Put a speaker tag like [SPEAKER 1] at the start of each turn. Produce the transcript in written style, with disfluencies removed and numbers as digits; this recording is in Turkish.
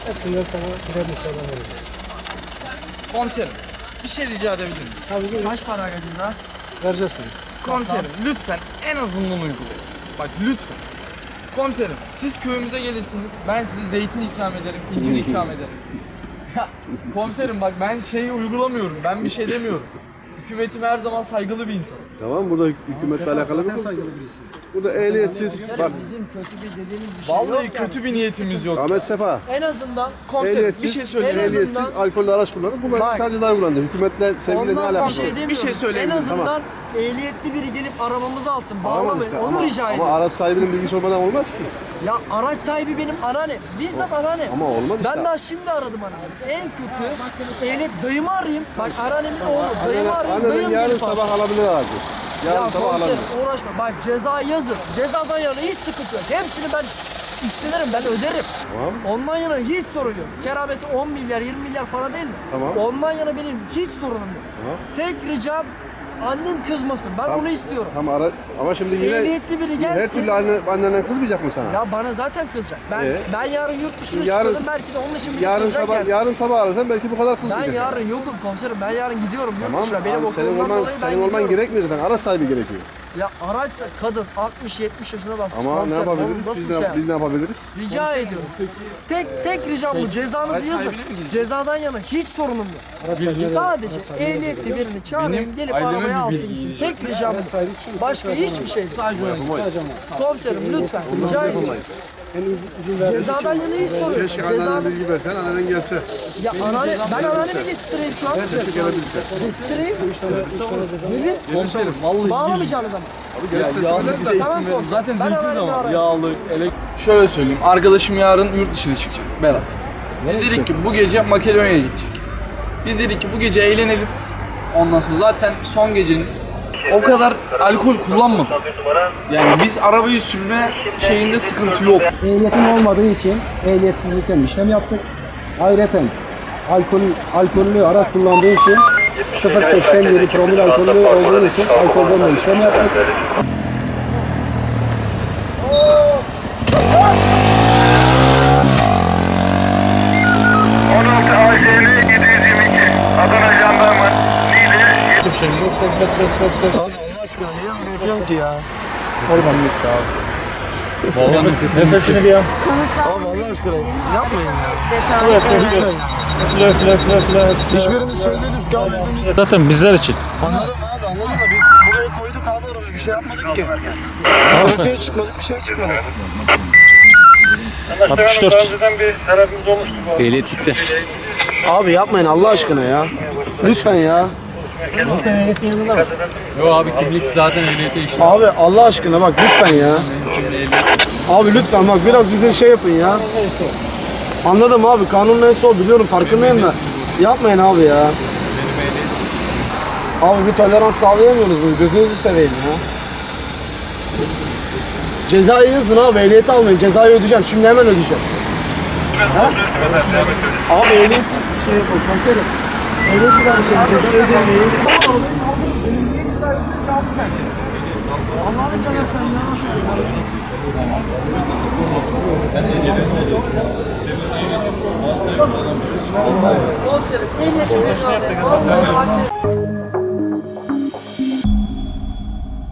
[SPEAKER 1] Hepsinden sana birer müsaade vereceğiz.
[SPEAKER 2] Komiserim, bir şey rica edebilir miyim?
[SPEAKER 1] Tabii ki
[SPEAKER 2] Kaç para ceza?
[SPEAKER 1] vereceğiz sana.
[SPEAKER 2] Komiserim, lütfen en azından uygulayın. Bak lütfen. Komiserim, siz köyümüze gelirsiniz, ben size zeytin ikram ederim, incir ikram ederim. Ya, komiserim bak ben şeyi uygulamıyorum, ben bir şey demiyorum. Hükümetim her zaman saygılı bir insan.
[SPEAKER 3] Tamam, burada hükümetle alakalı
[SPEAKER 1] Zaten
[SPEAKER 3] bir
[SPEAKER 1] saygılı birisin.
[SPEAKER 3] Burada ehliyetsiz, bak
[SPEAKER 4] Bizim kötü bir dediğimiz bir şey
[SPEAKER 2] Vallahi
[SPEAKER 4] yok
[SPEAKER 2] kötü
[SPEAKER 4] yani.
[SPEAKER 2] bir niyetimiz yok.
[SPEAKER 3] Ahmet Sefa.
[SPEAKER 4] En azından
[SPEAKER 2] Komiserim bir
[SPEAKER 3] Ehliyetsiz,
[SPEAKER 2] şey söyleyeyim.
[SPEAKER 3] ehliyetsiz alkollü araç kullanır. Bunlar
[SPEAKER 4] Bak.
[SPEAKER 3] sadece daha kullandı. Hükümetle, sevgiyle ne
[SPEAKER 4] ondan
[SPEAKER 3] alakası
[SPEAKER 4] bir
[SPEAKER 3] var?
[SPEAKER 4] şey demiyorum.
[SPEAKER 2] Bir şey söyleyebilirim.
[SPEAKER 4] En azından ehliyetli biri gelip arabamızı alsın.
[SPEAKER 3] Tamam
[SPEAKER 4] Bağlamayın.
[SPEAKER 3] işte,
[SPEAKER 4] Onu rica
[SPEAKER 3] ama
[SPEAKER 4] ediyorum.
[SPEAKER 3] araç sahibinin bilgisi olmadan olmaz ki.
[SPEAKER 4] Ya araç sahibi benim anneannem. Bizzat anneannem.
[SPEAKER 3] Ama olmaz işte.
[SPEAKER 4] Ben daha şimdi aradım anneannemi. En kötü ehliyet dayımı arayayım. Bak anneannemin oğlu. Dayımı arayayım.
[SPEAKER 3] Annenin
[SPEAKER 4] Dayım
[SPEAKER 3] yarın
[SPEAKER 4] gelip
[SPEAKER 3] sabah
[SPEAKER 4] alsın.
[SPEAKER 3] alabilir aracı. Yarın
[SPEAKER 4] Ya
[SPEAKER 3] sabah alabilir.
[SPEAKER 4] komiserim uğraşma. Bak ceza yazın. Cezadan yana hiç sıkıntı yok. Hepsini ben üstlenirim. Ben öderim.
[SPEAKER 3] Tamam.
[SPEAKER 4] Ondan yana hiç sorun yok. Kerameti 10 milyar 20 milyar para değil mi?
[SPEAKER 3] Tamam.
[SPEAKER 4] Ondan yana benim hiç sorunum yok.
[SPEAKER 3] Tamam.
[SPEAKER 4] Tek ricam annem kızmasın. Ben onu istiyorum.
[SPEAKER 3] Tamam, ama şimdi yine
[SPEAKER 4] Ehliyetli biri
[SPEAKER 3] her
[SPEAKER 4] gelsin.
[SPEAKER 3] türlü annenden kızmayacak mı sana?
[SPEAKER 4] Ya bana zaten kızacak. Ben yarın yurt dışına
[SPEAKER 3] Yarın-
[SPEAKER 4] çıkıyordum. Belki de onun için bile
[SPEAKER 3] Yarın
[SPEAKER 4] kızacak
[SPEAKER 3] sabah
[SPEAKER 4] yani.
[SPEAKER 3] yarın sabah arasan belki bu kadar
[SPEAKER 4] Ben
[SPEAKER 3] kızmayacak.
[SPEAKER 4] yarın yokum komiserim. Ben yarın gidiyorum yurt
[SPEAKER 3] Tamam,
[SPEAKER 4] dışına. Benim
[SPEAKER 3] abi, senin
[SPEAKER 4] okulumdan
[SPEAKER 3] olman
[SPEAKER 4] dolayı ben
[SPEAKER 3] senin olman
[SPEAKER 4] gidiyorum.
[SPEAKER 3] gerekmiyor zaten. Araç sahibi gerekiyor.
[SPEAKER 4] Ya araçsa kadın 60-70 yaşına bastı.
[SPEAKER 3] Ama ne
[SPEAKER 4] komiserim.
[SPEAKER 3] yapabiliriz?
[SPEAKER 4] Onu nasıl
[SPEAKER 3] Biz
[SPEAKER 4] şey
[SPEAKER 3] ne,
[SPEAKER 4] yap-
[SPEAKER 3] biz ne yapabiliriz?
[SPEAKER 4] Rica ediyorum. Tek ricam bu. Cezanızı
[SPEAKER 2] araç
[SPEAKER 4] yazın.
[SPEAKER 2] sahibine mi gideceğiz?
[SPEAKER 4] Cezadan yana hiç sorunum yok.
[SPEAKER 1] Araç sahibine de-
[SPEAKER 4] Sadece
[SPEAKER 1] araç sahibine de
[SPEAKER 4] ehliyetli
[SPEAKER 1] vereceğiz.
[SPEAKER 4] birini çağırayım
[SPEAKER 2] Benim
[SPEAKER 4] gelip
[SPEAKER 2] aileme
[SPEAKER 4] arabaya
[SPEAKER 2] bir
[SPEAKER 4] alsın
[SPEAKER 2] bilgi
[SPEAKER 4] gitsin.
[SPEAKER 2] vereceğim.
[SPEAKER 4] Tek ricam
[SPEAKER 1] Araç
[SPEAKER 4] bu.
[SPEAKER 1] sahibi kimse
[SPEAKER 4] Başka
[SPEAKER 1] zaten
[SPEAKER 4] hiçbir şey değil.
[SPEAKER 2] Sadece ona gideceğiz.
[SPEAKER 1] Sadece ama.
[SPEAKER 4] Komiserim lütfen rica ediyorum.
[SPEAKER 1] Hem izin verdiği
[SPEAKER 4] Cezadan yana hiç sorun yok.
[SPEAKER 3] Keşke annene
[SPEAKER 4] Cezadan...
[SPEAKER 3] bilgi versen, annen gelse.
[SPEAKER 4] Ya ben anneannemi getirttireyim şu an.
[SPEAKER 3] Keşke gelebilse.
[SPEAKER 4] Getirttireyim.
[SPEAKER 1] 3 tane ceza.
[SPEAKER 4] Nedir?
[SPEAKER 2] Komiserim vallahi
[SPEAKER 4] Bağlamayacağınız ama.
[SPEAKER 3] Abi
[SPEAKER 2] Ya
[SPEAKER 3] gelse
[SPEAKER 2] yağlı
[SPEAKER 3] söyler
[SPEAKER 2] bize
[SPEAKER 3] de.
[SPEAKER 2] eğitim
[SPEAKER 4] Tamam,
[SPEAKER 2] verin.
[SPEAKER 4] komiserim.
[SPEAKER 2] Zaten
[SPEAKER 4] Ben
[SPEAKER 2] zeytin
[SPEAKER 4] öğrendim,
[SPEAKER 2] ama
[SPEAKER 4] öğrendim.
[SPEAKER 2] yağlı, Şöyle söyleyeyim, arkadaşım yarın yurt dışına çıkacak, Berat. Biz dedik ki bu gece Makedonya'ya gidecek. Biz dedik ki bu gece eğlenelim. Ondan sonra zaten son geceniz. O kadar alkol kullanmadık. Yani biz arabayı sürme şeyinde sıkıntı yok.
[SPEAKER 5] Ehliyetim olmadığı için ehliyetsizlikten işlem yaptık. Ayrıca alkollü araç kullandığı için 0.87 promil alkollü olduğu için alkolden de işlem yaptık.
[SPEAKER 6] Adana Jandarma Niğde
[SPEAKER 5] Nefesini bir yap. Zaten bizler için.
[SPEAKER 7] Anladım da biz buraya koyduk abi arabayı, bir şey yapmadık ki. Trafiğe çıkmadık, bir şey çıkmadı.
[SPEAKER 5] 64.
[SPEAKER 6] önceden bir tarafımız olmuştu bu.
[SPEAKER 5] Ehliyet bitti.
[SPEAKER 7] Abi yapmayın Allah aşkına ya. Lütfen ya.
[SPEAKER 8] Yo abi kimlik zaten ehliyete işte.
[SPEAKER 7] Abi Allah aşkına bak lütfen ya. Abi lütfen bak biraz bize şey yapın ya. Anladım abi, kanun neyse o biliyorum, farkındayım da. Yapmayın abi ya. Abi bir tolerans sağlayamıyoruz bunu, gözünüzü seveyim ya. Cezayı yazın abi, ehliyeti almayın, cezayı ödeyeceğim, şimdi hemen ödeyeceğim. Ha? Abi ehliyet şey yapalım, komiserim. Ehliyeti var şey, cezayı ödemeyin. Allah'ını seversen ya. Komiserim, ehliyeti verin abi.